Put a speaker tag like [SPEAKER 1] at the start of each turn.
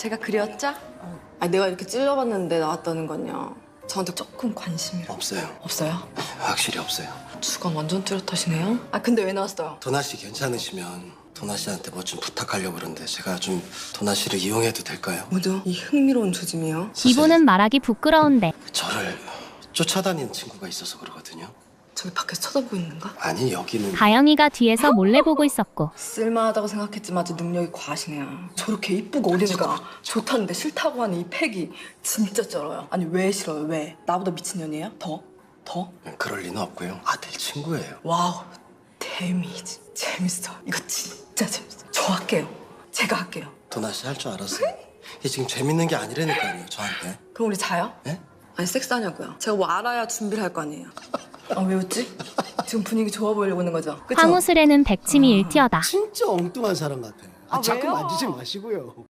[SPEAKER 1] 제가 그렸죠? 아니 내가 이렇게 찔러봤는데 나왔다는 건요. 저한테 조금 관심이
[SPEAKER 2] 없어요.
[SPEAKER 1] 없어요?
[SPEAKER 2] 확실히 없어요.
[SPEAKER 1] 주관 완전 뚜렷하시네요. 아 근데 왜 나왔어요?
[SPEAKER 2] 도나 씨 괜찮으시면 도나 씨한테 뭐 좀 부탁하려고 그러는데 제가 좀 도나 씨를 이용해도 될까요?
[SPEAKER 1] 뭐죠? 이 흥미로운 조짐이요.
[SPEAKER 3] 기분은 말하기 부끄러운데
[SPEAKER 2] 저를 쫓아다니는 친구가 있어서 그러거든요.
[SPEAKER 1] 저기 밖에서 쳐다보고 있는가?
[SPEAKER 2] 아니 여기는
[SPEAKER 3] 가영이가 뒤에서 몰래 보고 있었고
[SPEAKER 1] 쓸만하다고 생각했지만 아주 능력이 과하시네요. 저렇게 이쁘고 어린애가 좋다는데 싫다고 하는 이 팩이 진짜 쩔어요. 아니 왜 싫어요? 왜? 나보다 미친년이에요? 더? 더?
[SPEAKER 2] 그럴 리는 없고요. 아들 친구예요.
[SPEAKER 1] 와우 데미지 재밌어. 이거 진짜 재밌어. 저 할게요. 제가 할게요.
[SPEAKER 2] 도나 씨 할 줄 알았어요. 이게 지금 재밌는 게 아니라니까요. 저한테.
[SPEAKER 1] 그럼 우리 자요?
[SPEAKER 2] 예?
[SPEAKER 1] 아니 섹스하냐고요. 제가 뭐 알아야 준비를 할 거 아니에요. 아 왜 웃지? 지금 분위기 좋아 보이려고 하는 거죠? 그쵸?
[SPEAKER 3] 황우슬에는 백침이 일티어다.
[SPEAKER 4] 진짜 엉뚱한 사람 같아요.
[SPEAKER 1] 아,
[SPEAKER 4] 자꾸
[SPEAKER 1] 왜요?
[SPEAKER 4] 만지지 마시고요.